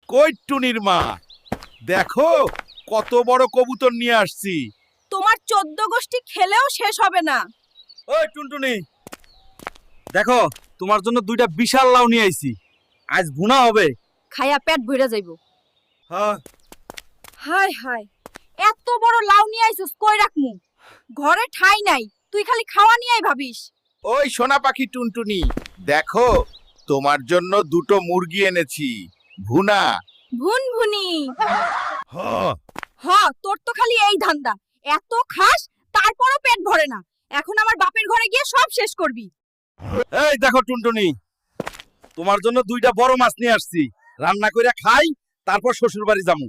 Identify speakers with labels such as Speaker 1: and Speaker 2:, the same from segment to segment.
Speaker 1: কই টুনির মা, দেখো কত বড় কবুতর নিয়ে আসছি।
Speaker 2: তোমার 14 গোষ্ঠী খেলেও শেষ হবে না।
Speaker 1: ওই টুনটুনি, দেখো তোমার জন্য দুইটা বিশাল লাউ নিয়ে আইছি, আজ ভুনা হবে।
Speaker 2: খায়া পেট ভইরা যাইবো।
Speaker 1: হ্যাঁ,
Speaker 2: হায় হায়, এত বড় লাউ নিয়ে আইছস, কই রাখমু? ঘরে ঠাই নাই, তুই খালি খাওয়া নিয়েই ভাবিস।
Speaker 1: ওই সোনা পাখি টুনটুনি, দেখো তোমার জন্য দুটো মুরগি এনেছি, ভুনা।
Speaker 2: ভুনভুনি।
Speaker 1: হ্যাঁ,
Speaker 2: হ, তোর তো খালি এই ধান্দা, এত খাস তারপরও পেট ভরে না। এখন আমার বাপের ঘরে গিয়ে সব শেষ করবি।
Speaker 1: এই দেখো টুনটুনি, তোমার জন্য দুইটা বড় মাছ নিয়ে আসছি, রান্না কইরা খাই, তারপর শ্বশুর বাড়ি যামু।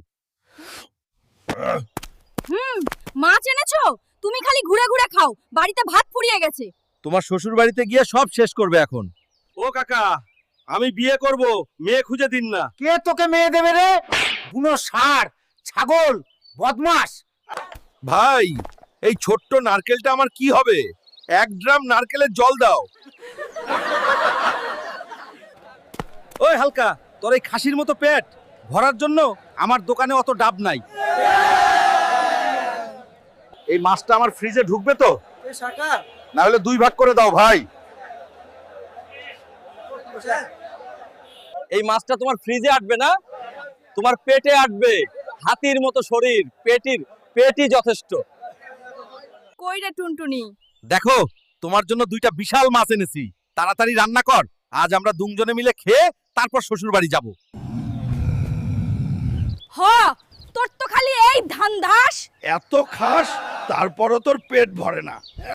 Speaker 2: মাছ এনেছো? তুমি খালি ঘুরে ঘুরে খাও, বাড়িতে ভাত ফুরিয়ে গেছে।
Speaker 1: তোমার শ্বশুর বাড়িতে গিয়ে সব শেষ করবে এখন। ও কাকা, আমি বিয়ে করব, মেয়ে খুঁজে দিন না।
Speaker 3: কে তোকে মেয়ে দেবে রে? বুনো ষাঁড়, ছাগল, বদমাস।
Speaker 1: ভাই, এই ছোট্ট নারকেলটা আমার কি হবে? 1 ড্রাম নারকেলের জল দাও। ওই হালকা, তোর এই খাসির মতো পেট ভরার জন্য আমার দোকানে অত ডাব নাই। এই মাছটা আমার ফ্রিজে ঢুকবে তো? না হলে 2 ভাগ করে দাও ভাই।
Speaker 4: এই মাছটা তোমার ফ্রিজে আটবে না, তোমার পেটে আটবে। হাতির মতো শরীর, পেটই যথেষ্ট।
Speaker 2: কই রে টুনটুনি?
Speaker 1: দেখো তোমার জন্য 2টা বিশাল মাছ এনেছি, তাড়াতাড়ি রান্না কর। আজ আমরা দুজনে মিলে খেয়ে তারপর শ্বশুর বাড়ি যাব।
Speaker 2: হ, তোর তো খালি এই ধান্দাস।
Speaker 1: এত খাস তারপরও তোর পেট ভরে না।